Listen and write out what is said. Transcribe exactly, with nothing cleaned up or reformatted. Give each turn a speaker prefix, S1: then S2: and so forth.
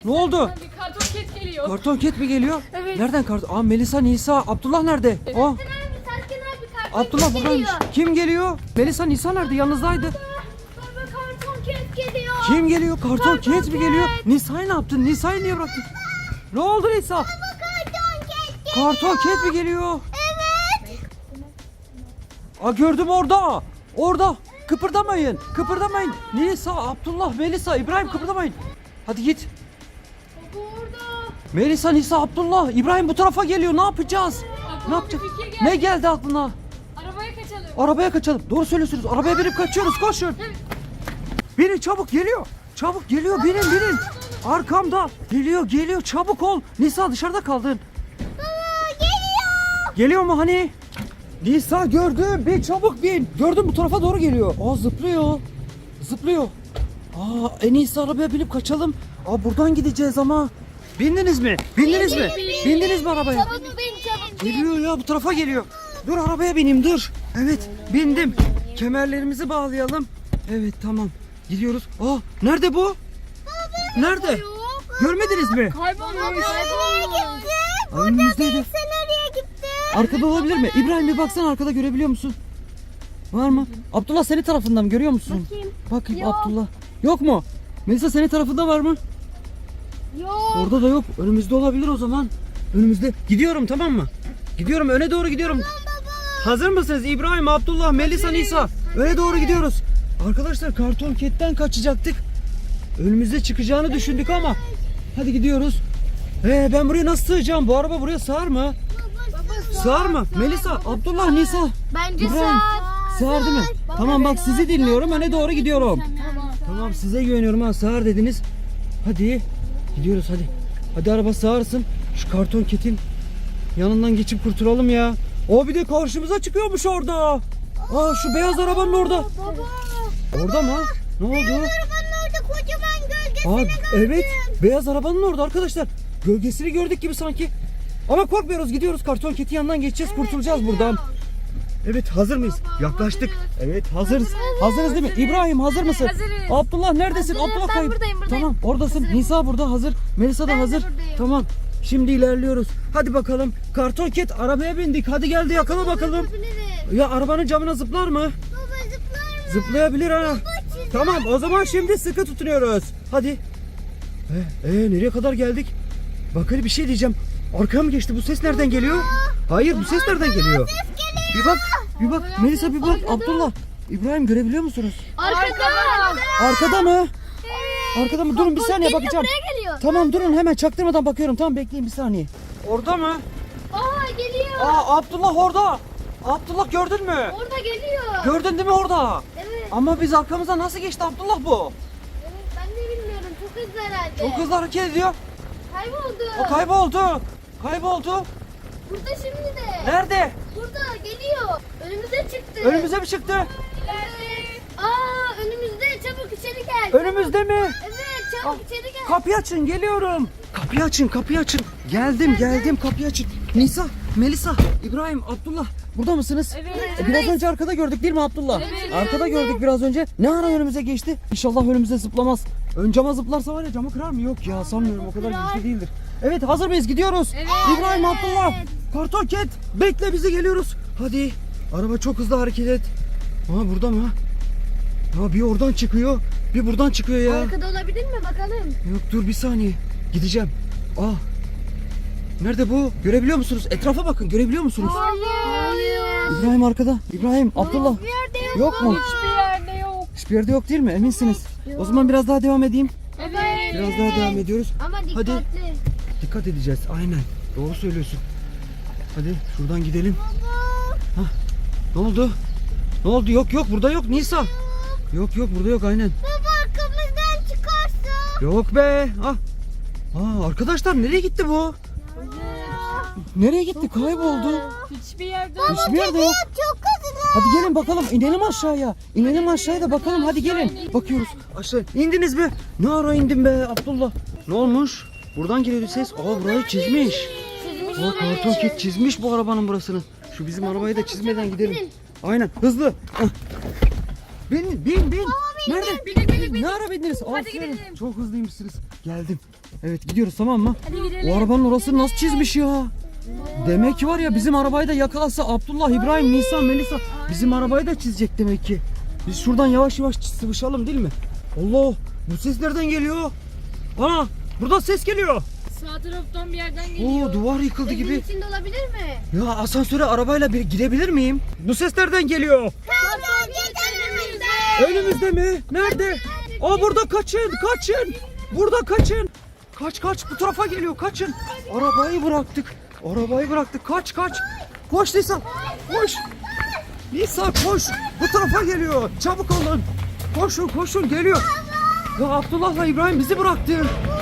S1: Ne oldu?
S2: Bir karton ket geliyor.
S1: Karton ket mi geliyor?
S2: Evet.
S1: Nereden karton? Aa Melisa, Nisa, Abdullah nerede? Aa
S3: Serkan abi, Serkan abi karton
S1: Abdullah
S3: ket
S1: buradaymış.
S3: geliyor.
S1: Kim geliyor? Melisa, Nisa nerede? Yanınızdaydı.
S3: Baba karton ket geliyor.
S1: Kim geliyor? Karton
S3: Karton
S1: ket mi
S3: ket.
S1: geliyor? Nisa'yı ne yaptın? Nisa'yı niye bıraktın? Ne oldu Nisa?
S3: Baba karton ket geliyor.
S1: Karton ket mi geliyor?
S3: Evet.
S1: Aa gördüm orada. Orada. Kıpırdamayın. Kıpırdamayın. Nisa, Abdullah, Melisa, İbrahim kıpırdamayın. Hadi git.
S2: Baba orada.
S1: Melisa, Nisa, Abdullah, İbrahim bu tarafa geliyor. Ne yapacağız?
S2: Aklıma
S1: Ne yapacağız?
S2: bir fikir geldi.
S1: Ne geldi aklına?
S2: Arabaya kaçalım.
S1: Arabaya kaçalım. Doğru söylüyorsunuz. Arabaya binip kaçıyoruz. Koşun. Binin çabuk geliyor. Çabuk geliyor. Binin binin. Arkamda. Geliyor geliyor. Çabuk ol. Nisa dışarıda kaldın.
S3: Baba geliyor.
S1: Geliyor mu hani? Nisa gördüm. Bin çabuk bin. Gördüm bu tarafa doğru geliyor. Aa zıplıyor. Zıplıyor. Aa en iyisi arabaya binip kaçalım. Aa buradan gideceğiz ama. Bindiniz mi? Bindiniz mi? Bindiniz mi arabaya?
S3: Çabuk bin çabuk bin.
S1: Geliyor ya bu tarafa geliyor. Dur arabaya bineyim dur. Evet bindim. Kemerlerimizi bağlayalım. Evet tamam. Gidiyoruz. Aa nerede bu? Nerede?
S3: Yok.
S1: Görmediniz mi?
S2: Kaybolmuş.
S3: Nereye gitti?
S1: Aa, önümüzdeydi.
S3: Sen nereye gitti?
S1: Arkada olabilir mi? İbrahim bir baksana arkada görebiliyor musun? Var mı? Abdullah senin tarafından mı görüyor musun?
S3: Bakayım.
S1: Bakayım
S3: Yok.
S1: Abdullah. Yok mu? Melisa senin tarafında var mı?
S3: Yok.
S1: Orada da yok. Önümüzde olabilir o zaman. Önümüzde. Gidiyorum tamam mı? Gidiyorum öne doğru gidiyorum. Hazır mısınız? İbrahim, Abdullah, Melisa, Nisa. Öne doğru gidiyoruz. Arkadaşlar karton ketten kaçacaktık. Önümüze çıkacağını düşündük ama. Hadi gidiyoruz. Ee, ben buraya nasıl sığacağım? Bu araba buraya sığar mı? Sığar mı? Melisa, Abdullah, Nisa.
S3: Bence
S1: İbrahim. Sığar değil mi? Tamam bak sizi dinliyorum. Öne doğru gidiyorum.
S2: Tamam.
S1: Tamam size güveniyorum ha. Sığar dediniz. Hadi. Gidiyoruz hadi. Hadi araba sığarsın. Şu karton ketin yanından geçip kurtulalım ya. O bir de karşımıza çıkıyormuş orada. Aa şu beyaz arabanın orada.
S3: Baba.
S1: Orada mı? Ne oldu?
S3: Arabanın orada kocaman gölgesi.
S1: Aa evet. Beyaz arabanın orada arkadaşlar. Gölgesini gördük gibi sanki. Ama korkmuyoruz gidiyoruz. Karton ketin yanından geçeceğiz. Kurtulacağız buradan. Evet hazır mıyız? Yaklaştık. Evet hazırız. Hazırız değil mi? İbrahim hazır mısın?
S2: Hazırız.
S1: Abdullah neredesin?
S3: Hazırım,
S1: Abdullah
S3: ben
S1: kayıp.
S3: buradayım, buradayım.
S1: Tamam oradasın. Nisa burada hazır. Melisa da
S3: Ben de
S1: hazır.
S3: buradayım.
S1: Tamam. Şimdi ilerliyoruz. Hadi bakalım. Karton ket arabaya bindik. Hadi geldi yakala bakalım.
S3: Yapabilirim.
S1: Ya arabanın camına zıplar mı?
S3: Baba zıplar mı?
S1: Zıplayabilir ha.
S3: çizer.
S1: Tamam o zaman şimdi sıkı tutunuyoruz. Hadi. Ee, ee, nereye kadar geldik? Bak hele bir şey diyeceğim. Arkaya mı geçti? Bu ses nereden geliyor? Hayır bu ses nereden geliyor? Bir bak. Bir bak. Melisa bir bak. Abdullah. İbrahim görebiliyor musunuz?
S3: Arkada.
S1: Arkada mı? Arkada mı? Durun bir saniye
S3: Geliyor,
S1: bakacağım.
S3: buraya geliyor.
S1: Tamam durun hemen çaktırmadan bakıyorum. Tamam bekleyin bir saniye. Orada mı?
S3: Aa geliyor.
S1: Aa Abdullah orada. Abdullah gördün mü?
S3: Orada geliyor.
S1: Gördün değil mi orada?
S3: Evet.
S1: Ama biz arkamıza nasıl geçti Abdullah bu?
S3: Evet, ben de bilmiyorum. Çok hızlı herhalde.
S1: Çok hızlı hareket ediyor.
S3: Kayboldu.
S1: O kayboldu. Kayboldu.
S3: Burada şimdi de.
S1: Nerede?
S3: Burada geliyor. Önümüze çıktı.
S1: Önümüze mi çıktı?
S3: Evet. Aa önümüzde, çabuk içeri gel.
S1: Önümüzde mi?
S3: Evet çabuk
S1: Ah,
S3: içeri gel.
S1: Kapıyı açın geliyorum. Kapıyı açın kapıyı açın. Geldim geldim kapıyı açın. Nisa, Melisa, İbrahim, Abdullah burada mısınız?
S2: Evet.
S1: E, Biraz önce arkada gördük değil mi Abdullah?
S2: Evet.
S1: Arkada gördük biraz önce. Ne ara önümüze geçti? İnşallah önümüze zıplamaz. Ön cama zıplarsa var ya camı kırar mı? Yok ya sanmıyorum o kadar güçlü değildir. Evet hazır mıyız? Gidiyoruz.
S2: Evet.
S1: İbrahim, Abdullah, karton ket bekle bizi geliyoruz. Hadi. Araba çok hızlı hareket et. Aa burada mı? Ha bir oradan çıkıyor. Bir buradan çıkıyor ya.
S3: Arkada olabilir mi bakalım?
S1: Yok dur bir saniye. Gideceğim. Aa. Nerede bu? Görebiliyor musunuz? Etrafa bakın. Görebiliyor musunuz?
S3: Hayır.
S1: İbrahim arkada. İbrahim, Abdullah.
S3: Bir yerde yok.
S1: Yok mu?
S2: Hiçbir yerde yok.
S1: Hiçbir yerde yok değil mi? Eminsiniz. O zaman biraz daha devam edeyim.
S2: Evet.
S1: Biraz daha devam ediyoruz.
S3: Ama
S1: Hadi.
S3: dikkatli.
S1: Dikkat edeceğiz. Aynen. Doğru söylüyorsun. Hadi şuradan gidelim. Hah. Ne oldu? Ne oldu? Yok yok burada yok Nisa. Yok yok burada yok aynen.
S3: Baba arkamızdan çıkarsa.
S1: Yok be. Ah. Aa, arkadaşlar nereye gitti bu? Nereye gitti? Kayboldu.
S2: Hiçbir yerde yok.
S1: Hiçbir yerde yok.
S3: Çok hızlı.
S1: Hadi gelin bakalım. İnelim aşağıya. İnelim aşağıya da bakalım. Hadi gelin. Bakıyoruz. Aşağı. İndiniz mi? Ne ara indin be Abdullah? Ne olmuş? Buradan geliyordu ses. Aa burayı çizmiş. Aa karton ket çizmiş bu arabanın burasını. Şu bizim arabayı da çizmeden gidelim. Aynen. Hızlı. Ah. Bin bin bin. Nerede?
S2: Bindik, bindik, bindik.
S1: Ne ara bindiniz?
S2: Hadi
S1: Aferin.
S2: gidelim.
S1: Çok hızlıymışsınız. Geldim. Evet gidiyoruz tamam mı?
S2: Hadi gidelim.
S1: O arabanın orası nasıl çizmiş ya? Demek ki var ya bizim arabayı da yakalasa Abdullah, İbrahim, Nisan, Melisa bizim arabayı da çizecek demek ki. Biz şuradan yavaş yavaş sıvışalım değil mi? Allah, bu ses nereden geliyor? Ana, burada ses geliyor.
S2: Sağ taraftan bir yerden geliyor.
S1: Oo, duvar yıkıldı
S3: Evin
S1: gibi.
S3: içinde olabilir mi?
S1: Ya asansöre arabayla bir girebilir miyim? Bu ses nereden geliyor?
S3: Karton ket önümüzde.
S1: Önümüzde mi? Nerede? Aa, burada kaçın, kaçın. Burada kaçın. Kaç kaç, bu tarafa geliyor, kaçın. Arabayı bıraktık. Arabayı bıraktık. Kaç kaç. Koş Nisan. Koş. Nisan koş. Bu tarafa geliyor. Çabuk olun. Koşun koşun geliyor. Ya Abdullah'la İbrahim bizi bıraktı.